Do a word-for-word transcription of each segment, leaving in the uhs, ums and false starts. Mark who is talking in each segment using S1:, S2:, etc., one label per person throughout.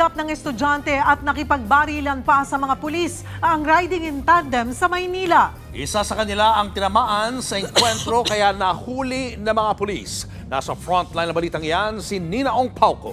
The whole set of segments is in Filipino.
S1: Hinarap ng estudyante at nakipagbarilan pa sa mga pulis ang riding in tandem sa Maynila.
S2: Isa sa kanila ang tinamaan sa enkwentro kaya nahuli ng mga pulis. Nasa frontline na balitang yan si Nina Ong Pauco.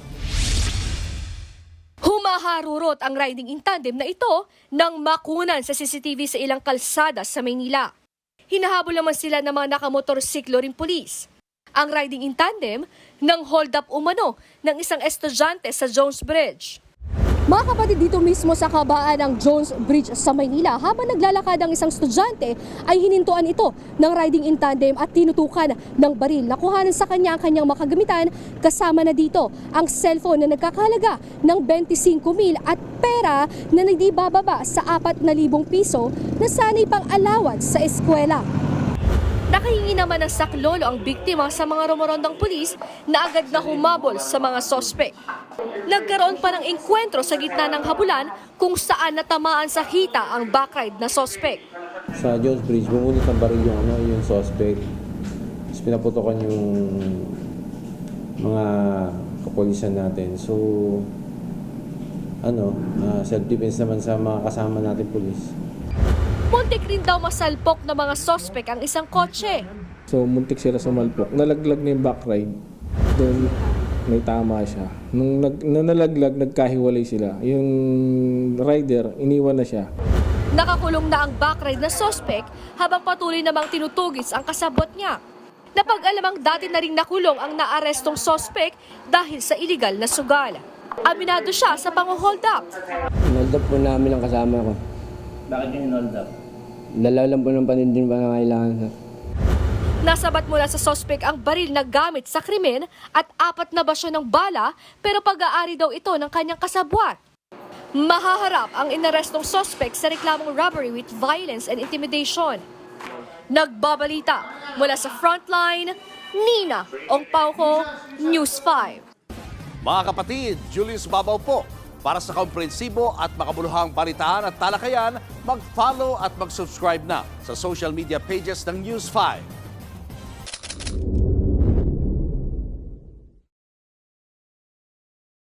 S3: Humaharurot ang riding in tandem na ito nang makunan sa C C T V sa ilang kalsada sa Maynila. Hinahabol naman sila ng mga nakamotorsiklo ring pulis. Ang riding in tandem nang hold up umano ng isang estudyante sa Jones Bridge. Mga kapatid, dito mismo sa kabaan ng Jones Bridge sa Maynila, habang naglalakad ang isang estudyante ay hinintuan ito ng riding in tandem at tinutukan ng baril. Nakuhanan sa kanya ang kanyang makagamitan, kasama na dito ang cellphone na nagkakahalaga ng twenty-five mil at pera na hindi bababa sa apat na libong piso na sana'y pang allowance sa eskwela. Nakahingi naman ng saklolo ang biktima sa mga rumorondang pulis na agad na humabol sa mga sospek. Nagkaroon pa ng enkwentro sa gitna ng habulan kung saan natamaan sa hita ang backride na sospek.
S4: Sa Jones Bridge, bumunit ng baril yung, ano, yung suspect. Tapos pinaputokan yung mga kapulisan natin. So, ano, uh, self-defense naman sa mga kasama natin pulis.
S3: Muntik rin daw masalpok ng mga sospek ang isang kotse.
S5: So muntik sila sumalpok. Nalaglag na yung backride. Then may tama siya. Nung, nag, nung nalaglag, nagkahiwalay sila. Yung rider, iniwan na siya.
S3: Nakakulong na ang backride na sospek habang patuloy namang tinutugis ang kasabot niya. Napag-alamang dati na rin nakulong ang naarestong sospek dahil sa iligal na sugal. Aminado siya sa pang-hold up.
S6: Hold up po namin ang kasama ko.
S7: Bakit yung hold up?
S6: Dalaw lang po ng panindin pa na kailangan, sir.
S3: Nasabat mula sa sospek ang baril na gamit sa krimen at apat na basyo ng bala, pero pag-aari daw ito ng kanyang kasabwat. Mahaharap ang inarestong sospek sa reklamong robbery with violence and intimidation. Nagbabalita mula sa Frontline, Nina Ong Pauco, News five.
S2: Mga kapatid, Julius Babaw po. Para sa komprehensibo at makabuluhang balitaan at talakayan, mag-follow at mag-subscribe na sa social media pages ng News five.